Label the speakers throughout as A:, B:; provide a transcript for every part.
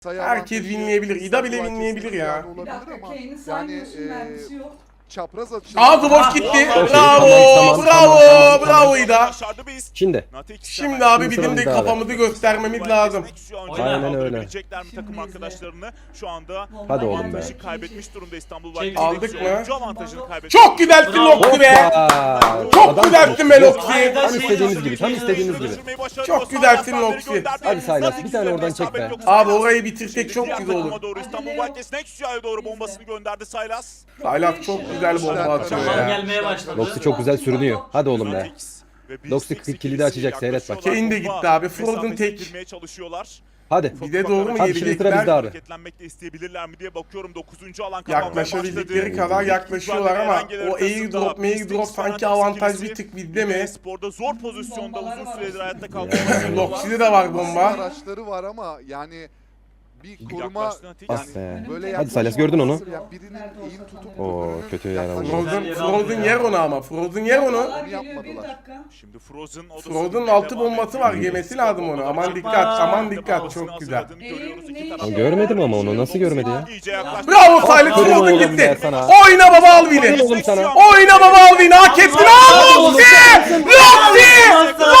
A: Herkes winleyebilir. İda bile winleyebilir ya.
B: Bir dakika, Kane'i saymıyorsun, mermisi yok.
C: Çapraz atış.
A: Aa, Dwarf gitti.
D: Tamam,
A: Bravo, bravo, bravo İda.
D: Şimdi.
A: Şimdi abi
D: Şimdi
A: bizim de
D: sırada abi.
A: kafamızı göstermemiz lazım.
D: Aynen öyle.
E: Takım
B: Şimdi
E: arkadaşlarını şu anda
D: Hadi oğlum be.
E: avantajı kaybetmiş durumda İstanbul
B: Çek.
E: Başkent'teki
A: Aldık mı?
E: oyuncu avantajını kaybetmiş.
A: Çok güzelsin Loxi be. Çok güzelsin be Loxi.
D: Tam istediğiniz gibi, tam istediğiniz gibi.
A: Çok güzelsin Loxi.
D: Hadi Silas, bir tane oradan çek be.
A: Abi orayı bitirsek çok güzel olur.
E: Doğru İstanbul Başkent'in Nexus'a doğru bombasını gönderdi Silas.
A: Silas çok güzel bomba atıyor
B: Zaman
A: ya.
B: gelmeye başladı.
D: Loxi çok güzel sürünüyor. Hadi oğlum be.
E: Natix ve
D: Loxi
E: Beast
D: kilidi açacak, seyret bak.
A: Kane de gitti abi, Frozen tek.
E: girmeye çalışıyorlar.
D: Hadi.
A: Bir de doğru mu
D: Hadi şimdi sıra bizde
A: gelecekler?
D: abi.
E: Hareketlenmek de isteyebilirler mi diye bakıyorum. 9. alan kapanmaya
A: Yaklaşabildikleri
E: başladı.
A: kadar yaklaşıyorlar ama o airdrop sanki avantaj bir tık bizde mi?
E: Sporda zor pozisyonda uzun süredir hayatta kalmak.
A: Loxi'de de var bomba.
C: Araçları var ama yani bir koruma
D: Ah be.
C: böyle
D: Hadi Silas, gördün onu.
C: Ya birinin eğim tutup
D: Oo,
C: öbürünün
D: kötü yer aldı.
A: Frozen yer onu ama. Frozen yer onu.
C: Onu
B: Bir
C: yapmadılar.
B: dakika.
E: Şimdi Frozen
A: Frozen'ın altı bombası var. Yemesi lazım onu. Aman dikkat, aman dikkat. Çok güzel.
D: Görmedim ama onu, nasıl görmedi ya?
A: Bravo Silas,
D: Aferin
A: Frozen
D: oğlum
A: gitti.
D: be sana.
A: Oyna baba Alvin'i.
D: Oğlum sana.
A: Oyna baba Alvin'i. Hak ettin. Aa, Loxi! Loxi!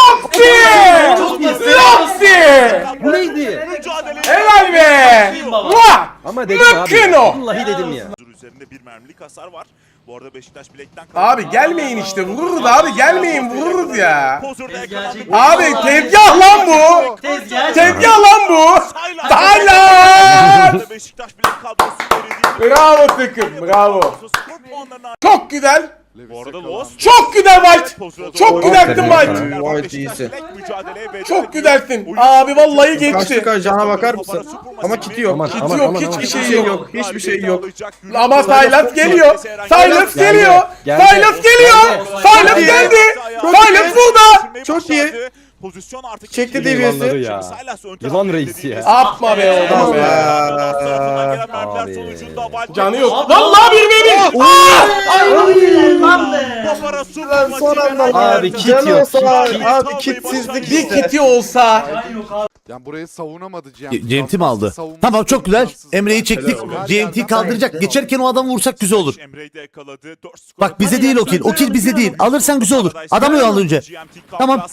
A: Loxi! Loxi!
D: Bu neydi?
A: Helal be! Muah!
D: Ama dedim abi.
A: Mümkün o.
D: Vallahi dedim ya.
E: Üzerinde bir mermilik hasar var. Bu arada Beşiktaş bilekten
A: Abi gelmeyin işte, vururuz abi, gelmeyin, vururuz ya.
E: Pozorda yakalandı.
A: Abi tezgah lan bu.
B: Tezgah.
A: Tezgah lan bu. Silas!
E: Beşiktaş bilek kadrosu verildi.
A: Bravo takım, bravo.
E: Skor puanlarına-
A: Çok güzel.
E: Bu arada Lost
A: Çok güzel White. Çok güzelsin White.
F: White iyisin.
A: Çok güzelsin. Abi vallahi geçti.
F: Kaçtık cana bakar mısın? Ama kiti yok.
D: Aman
A: Kiti
D: aman
A: yok,
D: aman.
A: hiçbir
D: aman.
A: şey yok.
F: Hiçbir şey yok.
A: Ama Silas geliyor. Silas geliyor.
D: Geldi.
A: Silas geliyor. Silas geldi. Silas burada.
F: Çok iyi.
E: Pozisyon artık
F: Çekti
D: Yılanları
F: deviyesi.
D: ya.
E: Silas ön
D: Yılan
E: tarafta
D: reisi ya.
E: dediğimiz-
A: Yapma be oğlum
F: Tamam
A: be.
F: be.
D: Abi.
A: Canı yok. Vallahi bir benim.
F: Lan son anda.
D: Abi kit
F: Canı
D: yok,
F: olsa
D: kit.
F: abi kitsizlik
A: Bir
F: işte.
A: kiti olsa.
C: Yani burayı savunamadı
G: GMT mi aldı? Tamam, çok güzel. Emre'yi çektik. GMT kaldıracak. Geçerken o adamı vursak güzel olur.
E: Emre'yi de yakaladı.
G: Bak bize değil o kill. O kill bize değil. Alırsan güzel olur. Adamı al önce. Tamam.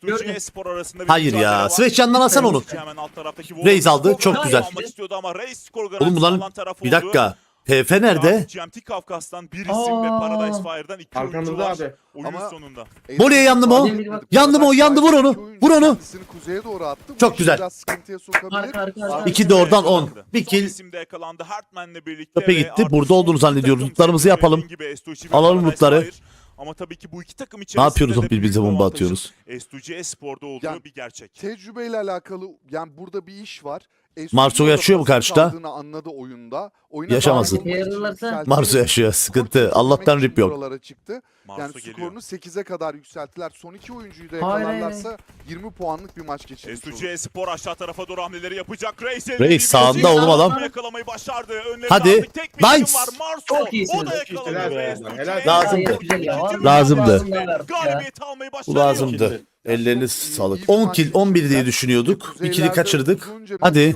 G: Hayır ya. Sveçcan'dan alsan onu. Reis aldı, çok güzel. Oğlum bunların... Bir dakika. TF nerede?
E: GMT Kafkas'tan bir isim ve Paradise Fire'dan iki oyuncu
F: Arkamızda
E: var.
F: abi.
E: Oyunun
C: Ama-
E: sonunda.
G: Voleye yandı mı o? Yandı mı o? Yandı, vur onu. Vur onu.
C: Kendisini kuzeye doğru attı. Bu
G: Çok
C: işi
G: güzel.
C: biraz sıkıntıya sokabilir.
G: İki de oradan 10. Bir
E: Son
G: kill.
E: isim de yakalandı. Hartman'le birlikte
G: Tepe
E: ve
G: gitti.
E: artık
G: Burada
E: son
G: olduğunu zannediyoruz.
E: takım
G: Lootlarımızı
E: seçimi
G: yapalım.
E: gibi S2G ve
G: Alalım
E: Paradise
G: lootları.
E: Fire. Ama tabii ki bu iki takım içerisinde
G: Ne yapıyoruz
E: de
G: o birbirimize
E: büyük
G: bomba
E: avantajın
G: atıyoruz?
E: S2G Espor'da olduğu
C: Yani
E: bir gerçek.
C: Tecrübeyle alakalı yani burada bir iş var.
G: Marso yaşıyor mu karşıda?
C: Kaldığını anladı oyunda. Oyuna
G: Yaşamasın.
C: dahil olmak için yükseltilerek
G: Marso yaşıyor, sıkıntı.
C: maçı
G: Allah'tan
C: çözmek
G: rip yok.
C: için buralara çıktı.
E: Marso
C: Yani
E: geliyor.
C: skorunu 8'e kadar yükselttiler. Son iki oyuncuyu da
B: Hayır,
C: yakalarlarsa 20 puanlık bir maç geçirmiş olur.
E: S2G Espor aşağı tarafa doğru hamleleri yapacak.
G: Reis sağında oğlum adam.
E: Yakalamayı başardı. Önlerinde
G: Hadi.
E: artık tek bir isim
G: Nice.
E: var. Marso.
B: Çok iyisiniz.
E: O da yakaladı.
F: Helal be.
E: S2G
F: Helal.
G: Lazımdı.
E: İkinci
G: Lazımdı.
E: galibiyeti almayı
G: Bu
E: başarıyor.
G: lazımdı. Elleriniz sağlık. 10 kill 11 diye düşünüyorduk. İkili kaçırdık. Hadi.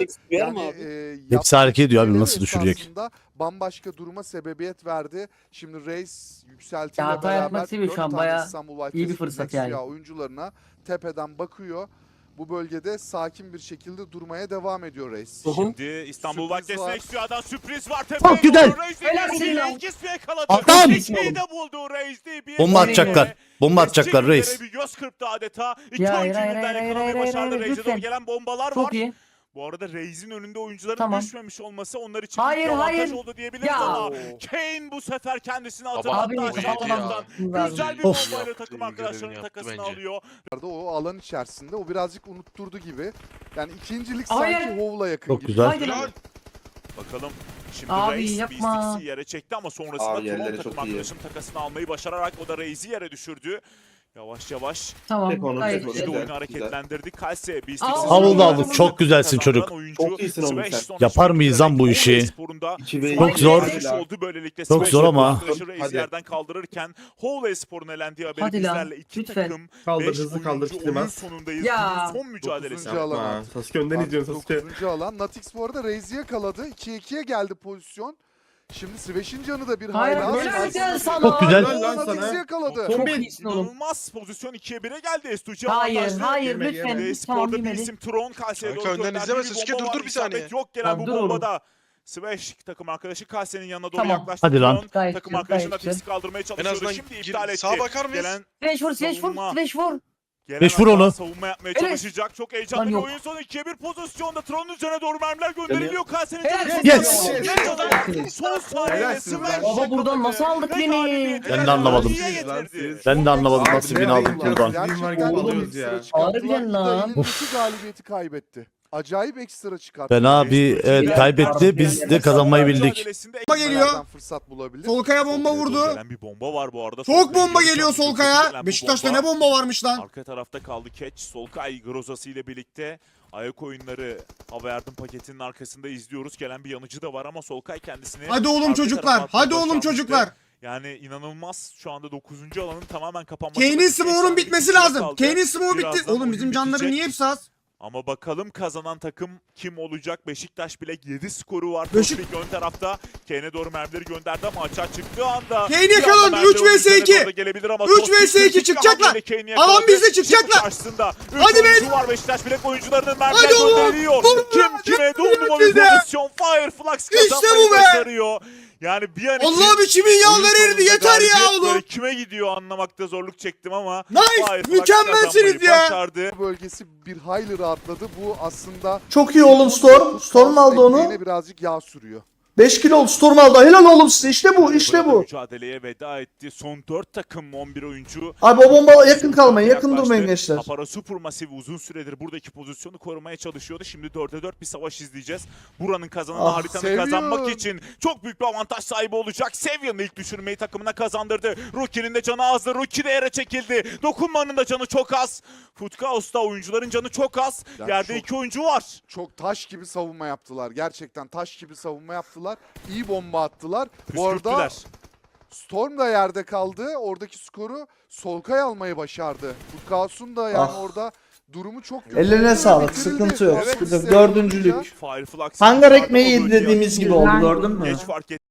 G: Hepsi hareket ediyor abi, nasıl düşürecek?
C: Bambaşka duruma sebebiyet verdi. Şimdi Reis yükseltiyle
B: Ya, hata yapmak
C: beraber
B: istemiyor şu
C: 4
B: an,
C: tane
B: bayağı
C: İstanbul White
B: iyi bir
C: West
B: fırsat
C: Nexia
B: yani.
C: oyuncularına tepeden bakıyor. Bu bölgede sakin bir şekilde durmaya devam ediyor Reis.
E: Şimdi İstanbul
C: Sürpriz
E: Vakfesi
C: var.
E: Nexua'dan sürpriz var.
G: Çok güzel.
E: İkisi yakaladı.
G: Adam.
E: İkisini de buldu Reis diye bir
G: Bomba atacaklar. Bomba atacaklar reis.
E: Bir göz kırptı adeta. İki
B: Ya,
E: oyuncu
B: hayır,
E: birden
B: hayır,
E: yakalamayı
B: hayır,
E: başardı.
B: hayır,
E: Reis'e doğru
B: lütfen.
E: gelen bombalar var.
B: Çok iyi.
E: Bu arada Reis'in önünde oyuncuların
B: Tamam.
E: düşmemiş olması onlar için
B: Hayır,
E: bir avantaj
B: hayır.
E: oldu diyebiliriz
B: Ya.
E: ama Kane bu sefer kendisini
B: Abi,
E: hatırlattı.
B: kapatamam.
E: Güzel bir
G: Of.
E: bombayla takım arkadaşlarının takasını alıyor.
C: O alan içerisinde o birazcık unutturdu gibi. Yani ikincilik
B: Hayır.
C: sanki Hov'la yakın
G: Çok
C: gibi.
G: güzel.
B: Haydi lan.
E: Bakalım şimdi
B: Abi,
E: Reis
B: yapma.
E: Beastix'i yere çekti ama sonrasında
F: Abi,
E: Tron
F: yerleri
E: takım
F: çok iyi.
E: arkadaşının takasını almayı başararak o da Reis'i yere düşürdü. Yavaş yavaş
B: Tamam. Gayet
F: Tek onu,
E: bir
B: iyi.
E: de oyunu
F: Güzel,
E: hareketlendirdik. Kalse bir
G: Aldı aldı. Çok güzelsin çocuk.
F: Çok iyisin oğlum sen.
G: Yapar mıyız lan bu işi? Çok zor. Çok zor ama.
F: Hadi.
E: Yerden kaldırırken Howley Spor'un elendiği haberi
B: Hadi lan,
E: bizlerle iki
B: lütfen.
E: takım
F: Kaldır,
E: 5
F: hızlı kaldır,
E: oyuncu oyun
F: Kilimaz.
E: sonundayız.
B: Ya.
E: Günün son mücadelesi.
C: 9. alan.
F: Yapma. Sasuke önden izliyorsun Sasuke.
C: 9. alan. Natix bu arada Raze'i yakaladı. 2-2'ye geldi pozisyon. Şimdi Sveş'in canı da bir
B: Hayır,
C: hayli az.
B: helal gel sana.
G: Çok güzel.
F: Helal lan
C: Natix'i
F: sana.
C: yakaladı.
B: Çok iyisin oğlum.
E: İnanılmaz pozisyon 2'ye 1'e geldi. Estuci
B: Hayır,
E: avantajlı.
B: hayır
F: Girme,
B: lütfen.
F: girme.
B: Tamam
E: Spor'da bir
B: bilmedi.
E: isim Tron Kalse'ye doğru
H: Kanka önden
E: gönderdiği
H: izleme,
E: bir
H: Sasuke,
E: bomba
H: dur,
E: var.
H: dur bir saniye.
E: İsabet yok gelen
B: Tamam,
E: bu
B: dur oğlum.
E: bombada. Sveş takım arkadaşı Kalse'nin yanına doğru
B: Tamam.
E: yaklaştı.
G: Hadi lan.
E: Tron
B: Gayet
E: takım
B: güzel,
E: arkadaşına
B: gayet güzel.
E: disk kaldırmaya
H: En
E: çalışıyordu.
H: azından
E: Şimdi iptal etti.
H: sağa bakar mıyız?
E: Gelen
B: Sveş vur, Sveş vur,
E: Savunma.
B: Sveş vur.
G: Sveş vur onu.
E: Savunma yapmaya
B: Evet.
E: çalışacak. Çok heyecanlı
B: Lan
E: bir
B: yok.
E: oyun sonu. 2'ye 1 pozisyonda Tron'un üzerine doğru mermiler gönderiliyor. Kalse'nin
B: Helal.
E: canı
G: Yes.
E: Son saniyede
F: Helalsin
E: Sveş
F: lan.
B: Baba buradan nasıl aldık
E: ve
B: beni?
E: galibiyeti
G: Ben de anlamadım.
E: ikiye getirdi.
G: Ben de anlamadım
F: Abi,
G: nasıl bin aldık buradan.
F: Gerçekten var gibi alıyoruz ya.
B: Harbiden lan.
C: Elindeki galibiyeti kaybetti. Acayip ekstra çıkarttı.
G: Fena bir evet kaybetti. Biz de kazanmayı bildik.
I: Bomba geliyor.
C: Nereden fırsat bulabilir?
I: Solkaya bomba vurdu.
E: Gelen bir bomba var bu arada.
I: Çok bomba geliyor Solkaya. Beşiktaş'ta ne bomba varmış lan.
E: Arka tarafta kaldı Catch. Solkay Grozası ile birlikte ayak oyunları hava yardım paketinin arkasında izliyoruz. Gelen bir yanıcı da var ama Solkay kendisini...
I: Hadi oğlum
E: arka
I: çocuklar.
E: tarafa atmayı
I: Hadi oğlum
E: başarmıştı.
I: çocuklar.
E: Yani inanılmaz şu anda 9. alanın tamamen kapanması.
I: Kane'in smoke'un bitmesi lazım. Kane'in smoke bitti.
E: Birazdan
I: Oğlum bizim
E: oyun
I: canları
E: bitecek.
I: niye hepsi az?
E: Ama bakalım kazanan takım kim olacak? Beşiktaş Bilek 7 skoru var.
I: Beşik-
E: Beşik ön tarafta. Kane'e doğru mermileri gönderdi ama açığa çıktığı anda...
I: Kane yakalandı.
E: bir anda
I: 3 vs
E: mermiler
I: 2.
E: üzerine doğru gelebilir ama
I: 3
E: çok
I: vs 2
E: kritik bir
I: çıkacaklar.
E: hamleyle Kane'i yakaladı.
I: Alan bizde
E: Şimdi
I: çıkacaklar.
E: karşısında 3
I: Hadi be.
E: oyuncu var Beşiktaş Bilek oyuncularının mermiler
I: Hadi oğlum.
E: gönderiliyor. Kim kime 10 numaralı
I: bize.
E: pozisyon Fireflux kazanmayı
I: bu be.
E: başarıyor. Yani bir an için
I: Allah'ım içimin yağları
E: oyun
I: eridi.
E: sonunda
I: Yeter ya
E: galibiyet
I: oğlum.
E: böyle kime gidiyor anlamakta zorluk çektim ama
I: Nice.
E: Fireflux
I: Mükemmelsiniz
E: kazanmayı
I: ya.
E: başardı.
C: Bölgesi bir hayli rahatladı. Bu aslında
F: Çok iyi oğlum Storm. Storm aldı onu.
C: ekmeğine birazcık yağ sürüyor.
F: 5 kilo oldu. Storm aldı. Helal oğlum size. İşte bu. İşte
E: Burada
F: bu.
E: mücadeleye veda etti. Son 4 takım 11 oyuncu.
F: Abi o bomba yakın kalmayın. Yakın durmayın gençler.
E: Apara Supermassive uzun süredir buradaki pozisyonu korumaya çalışıyordu. Şimdi 4'e 4 bir savaş izleyeceğiz. Buranın kazananı
F: Ah,
E: haritanı
C: Savior.
E: kazanmak için çok büyük bir avantaj sahibi olacak. Savior'ın ilk düşürmeyi takımına kazandırdı. Rookie'nin de canı azdı. Rookie de yere çekildi. Dokunmanın da canı çok az. Footkaos'ta oyuncuların canı çok az.
C: Yani
E: Yerde
C: çok-
E: 2 oyuncu var.
C: Çok taş gibi savunma yaptılar. Gerçekten taş gibi savunma yaptılar. İyi bomba attılar. Bu arada
E: Püskürttüler.
C: Storm da yerde kaldı. Oradaki skoru Solkay almayı başardı. Futkaos'un da yani
F: Ah.
C: orada durumu çok kötü.
F: Ellerine sağlık.
C: Bitirildi.
F: Sıkıntı yok.
C: Evet,
F: Sıkıntı yok.
C: isteyen
F: Dördüncülük.
C: olunca
E: Fireflux
F: Hangar ekmeği yedi dediğimiz gibi oldu gördün mü?
E: Geç fark